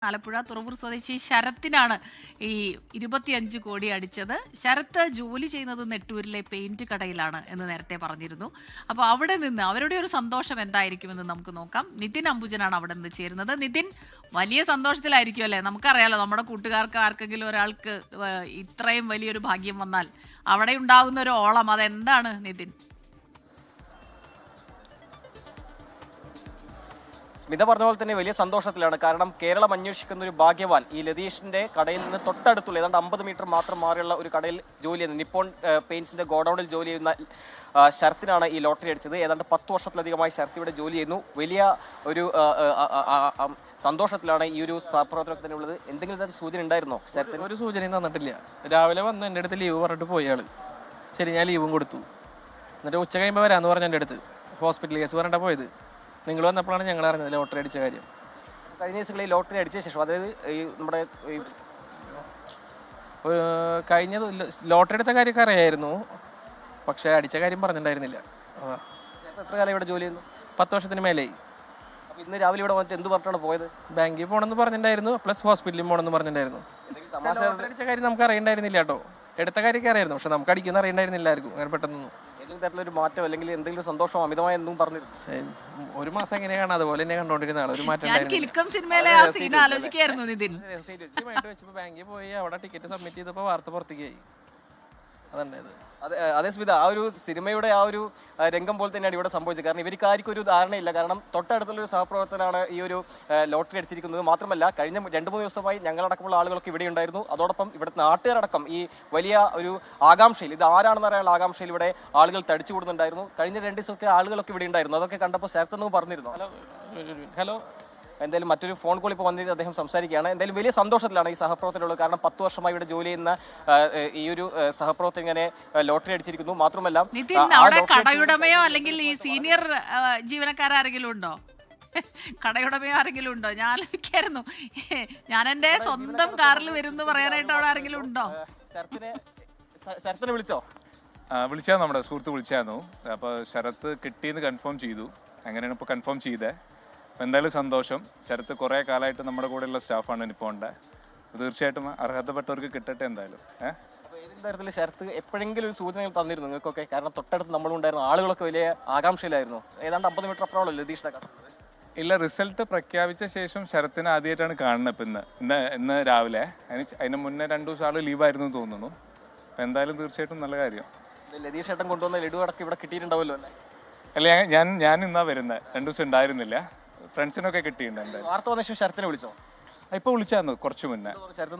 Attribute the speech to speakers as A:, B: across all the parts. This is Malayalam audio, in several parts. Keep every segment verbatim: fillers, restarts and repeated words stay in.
A: ആലപ്പുഴ തുറവൂർ സ്വദേശി ശരത്തിനാണ് ഈ ഇരുപത്തിയഞ്ച് കോടി അടിച്ചത്. ശരത്ത് ജോലി ചെയ്യുന്നത് നെട്ടൂരിലെ പെയിന്റ് കടയിലാണ് എന്ന് നേരത്തെ പറഞ്ഞിരുന്നു. അപ്പോൾ അവിടെ നിന്ന് അവരുടെ ഒരു സന്തോഷം എന്തായിരിക്കുമെന്ന് നമുക്ക് നോക്കാം. നിതിൻ അംബുജനാണ് അവിടെ നിന്ന് ചേരുന്നത്. നിതിൻ, വലിയ സന്തോഷത്തിലായിരിക്കും അല്ലേ? നമുക്കറിയാലോ, നമ്മുടെ കൂട്ടുകാർക്ക് ആർക്കെങ്കിലും ഒരാൾക്ക് ഇത്രയും വലിയൊരു ഭാഗ്യം വന്നാൽ അവിടെ ഉണ്ടാകുന്ന ഒരു ഓളം അതെന്താണ് നിതിൻ?
B: സ്മിത പറഞ്ഞ പോലെ തന്നെ വലിയ സന്തോഷത്തിലാണ്. കാരണം കേരളം അന്വേഷിക്കുന്ന ഒരു ഭാഗ്യവാൻ ഈ ലതീഷിന്റെ കടയിൽ നിന്ന് തൊട്ടടുത്തുള്ള ഏതാണ്ട് അമ്പത് മീറ്റർ മാത്രം മാറിയുള്ള ഒരു കടയിൽ ജോലി ചെയ്യുന്ന നിപ്പോൺ പെയിന്റ്സിന്റെ ഗോഡൌണിൽ ജോലി ചെയ്യുന്ന ശരത്തിനാണ് ഈ ലോട്ടറി അടിച്ചത്. ഏതാണ്ട് പത്ത് വർഷത്തിലധികമായി ശരത്ത് ഇവിടെ ജോലി ചെയ്യുന്നു. വലിയ ഒരു സന്തോഷത്തിലാണ് ഈ ഒരു സഹപ്രവർത്തനത്തിൽ ഉള്ളത്. എന്തെങ്കിലും തരത്തിൽ സൂചന ഉണ്ടായിരുന്നോ ശരത്തിന്?
C: ഒരു സൂചനയും തന്നിട്ടില്ല. രാവിലെ വന്ന് എൻ്റെ അടുത്ത് ലീവ് പറഞ്ഞിട്ട് പോയി ആള്. ശരി, ഞാൻ ലീവും കൊടുത്തു. എന്നിട്ട് ഉച്ച കഴിയുമ്പോൾ വരാമെന്ന് പറഞ്ഞ എൻ്റെ അടുത്ത് ഹോസ്പിറ്റൽ കേസ് പറഞ്ഞിട്ടാണ് പോയത്. നിങ്ങൾ വന്നപ്പോഴാണ് ഞങ്ങൾ അറിഞ്ഞത് ലോട്ടറി അടിച്ച കാര്യം.
B: കഴിഞ്ഞ ദിവസങ്ങളിൽ ലോട്ടറി അടിച്ച ശേഷം, അതായത് ഈ നമ്മുടെ
C: കഴിഞ്ഞ ലോട്ടറി എടുത്ത കാര്യമൊക്കെ അറിയായിരുന്നു, പക്ഷെ അടിച്ച കാര്യം പറഞ്ഞിട്ടുണ്ടായിരുന്നില്ല.
B: എത്ര കാലം ഇവിടെ ജോലി ചെയ്യുന്നു?
C: പത്ത് വർഷത്തിന് മേലെയായി.
B: അപ്പോൾ ഇന്ന് രാവിലെ ഇവിടെ വന്നിട്ട് എന്ത് പറഞ്ഞിട്ടാണ് പോയത്?
C: ബാങ്കിൽ പോകണമെന്ന് പറഞ്ഞിട്ടുണ്ടായിരുന്നു, പ്ലസ് ഹോസ്പിറ്റലിൽ പോകണമെന്ന് പറഞ്ഞിട്ടുണ്ടായിരുന്നു. ലോട്ടറി അടിച്ച കാര്യം നമുക്ക് അറിയണ്ടായിരുന്നില്ല കേട്ടോ. എടുത്ത കാര്യമൊക്കെ അറിയായിരുന്നു, പക്ഷെ നമുക്ക് അടിക്കുന്ന അറിയണ്ടായിരുന്നില്ല ആർക്കും അങ്ങനെ പെട്ടെന്നൊന്നും.
B: ഏതെങ്കിലും തരത്തിലൊരു മാറ്റം അല്ലെങ്കിൽ എന്തെങ്കിലും സന്തോഷം അമിതമായ എന്തും പറഞ്ഞിരുന്നു?
C: ഒരു മാസം എങ്ങനെയാണ് അതുപോലെ തന്നെ കണ്ടോണ്ടിരുന്ന ആൾ. ഒരു മാറ്റം ബാങ്കിൽ പോയി അവിടെ ടിക്കറ്റ് സബ്മിറ്റ് ചെയ്തപ്പോൾ വാർത്ത പുറത്തേക്ക് ആയി. അതുണ്ടായത്.
B: അതെ അതേ സ്മിത, ആ ഒരു സിനിമയുടെ ആ ഒരു രംഗം പോലെ തന്നെയാണ് ഇവിടെ സംഭവിച്ചത്. കാരണം ഇവർക്ക് ആർക്കും ഒരു ധാരണയില്ല. കാരണം തൊട്ടടുത്തുള്ള ഒരു സഹപ്രവർത്തനാണ് ഈ ഒരു ലോട്ടറി അടിച്ചിരിക്കുന്നത്. മാത്രമല്ല, കഴിഞ്ഞ രണ്ട് മൂന്ന് ദിവസമായി ഞങ്ങളടക്കമുള്ള ആളുകളൊക്കെ ഇവിടെ ഉണ്ടായിരുന്നു. അതോടൊപ്പം ഇവിടുത്തെ നാട്ടുകാരടക്കം ഈ വലിയ ഒരു ആകാംക്ഷയിൽ, ഇത് ആരാണെന്ന് അറിയാനുള്ള ആകാംക്ഷയിൽ ഇവിടെ ആളുകൾ തടിച്ചു കൂടുന്നുണ്ടായിരുന്നു. കഴിഞ്ഞ രണ്ട് ദിവസമൊക്കെ ആളുകളൊക്കെ ഇവിടെ ഉണ്ടായിരുന്നു. അതൊക്കെ കണ്ടപ്പോൾ ശരത്തെന്ന് പറഞ്ഞിരുന്നു.
C: ഹലോ ഹലോ
B: എന്തായാലും മറ്റൊരു ഫോൺ കോൾ ഇപ്പോൾ വന്നിട്ട് അദ്ദേഹം സംസാരിക്കുകയാണ്. എന്തായാലും വലിയ സന്തോഷത്തിലാണ് ഈ സഹപ്രവർത്തകരുള്ളത്. കാരണം പത്ത് വർഷമായി ഇവിടെ ജോലി ചെയ്യുന്ന ഈ ഒരു സഹപ്രവർത്തകൻ ഇങ്ങനെ ലോട്ടറി അടിച്ചിരിക്കുന്നു. മാത്രമല്ല,
A: കടയുടമയോ അല്ലെങ്കിൽ ഈ സീനിയർ ജീവനക്കാരെങ്കിലും ഉണ്ടോ? കടയുടമയോ ആരെങ്കിലും ഉണ്ടോ? ഞാൻ ആലോചിക്കായിരുന്നു, ഞാൻ എന്റെ സ്വന്തം കാറിൽ വരും എന്ന് പറയാനായിട്ട് അവിടെ ആരെങ്കിലും ഉണ്ടോ?
B: ശരത്തിനെ ശരത്തിനെ വിളിച്ചോ?
D: വിളിച്ചാൽ നമ്മുടെ സുഹൃത്ത് വിളിച്ചായിരുന്നു. അപ്പോൾ ശരത്ത് കിട്ടിയെന്ന് കൺഫേം ചെയ്തു. അങ്ങനെയാണ് ഇപ്പോൾ കൺഫേം ചെയ്തത്. അപ്പോൾ എന്തായാലും സന്തോഷം. ശരത്ത് കുറേ കാലമായിട്ട് നമ്മുടെ കൂടെയുള്ള സ്റ്റാഫാണ് നിപ്പോണിൻ്റെ. തീർച്ചയായിട്ടും അർഹതപ്പെട്ടവർക്ക് കിട്ടട്ടെ എന്തായാലും. ഏഹ്
B: ഏതെങ്കിലും തരത്തിൽ ശരത്ത് എപ്പോഴെങ്കിലും ഒരു സൂചനകൾ തന്നിരുന്നു നിങ്ങൾക്കൊക്കെ? കാരണം തൊട്ടടുത്ത് നമ്മളുണ്ടായിരുന്നു, ആളുകളൊക്കെ വലിയ ആകാംക്ഷയിലായിരുന്നു. ഏതാണ്ട് അമ്പത് മീറ്റർ അപ്പുറമുള്ള ലതീഷിനെ കാണുന്നത്.
D: ഇല്ല, റിസൾട്ട് പ്രഖ്യാപിച്ച ശേഷം ശരത്തിനെ ആദ്യമായിട്ടാണ് കാണുന്നത്. ഇപ്പം ഇന്ന് ഇന്ന് ഇന്ന് രാവിലെ. അതിന് അതിന് മുന്നേ രണ്ടു ദിവസം ആൾ ലീവായിരുന്നു എന്ന് തോന്നുന്നു. അപ്പം എന്തായാലും തീർച്ചയായിട്ടും നല്ല കാര്യം.
B: ലതീഷ് ഏട്ടൻ കൊണ്ടുവന്ന ലഡു അടക്കം ഇവിടെ കിട്ടിയിട്ടുണ്ടാവുമല്ലോ അല്ലേ?
D: അല്ല, ഞാൻ ഞാൻ ഇന്നാ വരുന്നത്. രണ്ടു ദിവസം ഉണ്ടായിരുന്നില്ല. ഫ്രണ്ട്സിനൊക്കെ കിട്ടിയിട്ടുണ്ട്. എന്തായാലും
B: വാർത്ത വന്ന ശേഷം ശരത്തിനെ വിളിച്ചോ?
D: ഇപ്പോൾ വിളിച്ചായിരുന്നു കുറച്ച് മുന്നേ.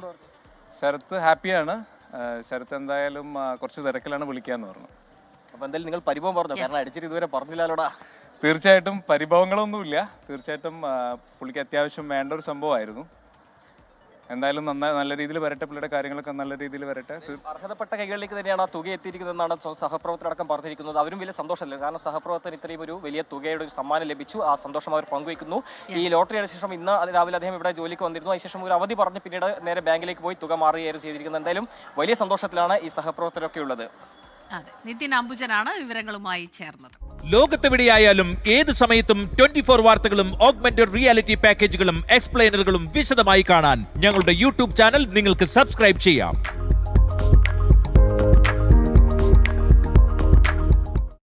D: ശരത്ത് ഹാപ്പിയാണ്. ശരത്ത് എന്തായാലും കുറച്ച് തിരക്കിലാണ് വിളിക്കാന്ന് പറഞ്ഞു.
B: അപ്പൊ എന്തായാലും നിങ്ങൾ പരിഭവം പറഞ്ഞു, കാരണം അടിച്ചിട്ട് ഇതുവരെ പറഞ്ഞില്ലല്ലോടാ.
D: തീർച്ചയായിട്ടും പരിഭവങ്ങളൊന്നുമില്ല. തീർച്ചയായിട്ടും പുള്ളിക്ക് അത്യാവശ്യം വേണ്ട ഒരു സംഭവമായിരുന്നു. എന്തായാലും നന്നായി നല്ല രീതിയിൽ വരട്ടെ. പുള്ളിയുടെ കാര്യങ്ങളൊക്കെ നല്ല രീതിയിൽ വരട്ടെ.
B: അർഹതപ്പെട്ട കൈകളിലേക്ക് തന്നെയാണ് ആ തുക എത്തിയിരിക്കുന്നതെന്നാണ് സഹപ്രവർത്തകരടക്കം പറഞ്ഞിരിക്കുന്നത്. അവരും വലിയ സന്തോഷമല്ല, കാരണം സഹപ്രവർത്തകർ ഇത്രയും ഒരു വലിയ തുകയുടെ ഒരു സമ്മാനം ലഭിച്ചു. ആ സന്തോഷം അവർ പങ്കുവയ്ക്കുന്നു. ഈ ലോട്ടറിയുടെ ശേഷം ഇന്ന് രാവിലെ അദ്ദേഹം ഇവിടെ ജോലിക്ക് വന്നിരുന്നു. അതിനുശേഷം ഒരു അവധി പറഞ്ഞ് പിന്നീട് നേരെ ബാങ്കിലേക്ക് പോയി തുക മാറുകയായിരുന്നു ചെയ്തിരിക്കുന്നത്. എന്തായാലും വലിയ സന്തോഷത്തിലാണ് ഈ സഹപ്രവർത്തകരൊക്കെ ഉള്ളത്.
A: അതെ, നിതിൻ അംബുജനാണ് വിവരങ്ങളുമായി ചേർന്നത്.
E: ലോകത്തെവിടെയായാലും ഏത് സമയത്തും ട്വന്റി ഫോർ വാർത്തകളും ഓഗ്മെന്റഡ് റിയാലിറ്റി പാക്കേജുകളും എക്സ്പ്ലെയിനറുകളും വിശദമായി കാണാൻ ഞങ്ങളുടെ യൂട്യൂബ് ചാനൽ നിങ്ങൾക്ക് സബ്സ്ക്രൈബ് ചെയ്യാം.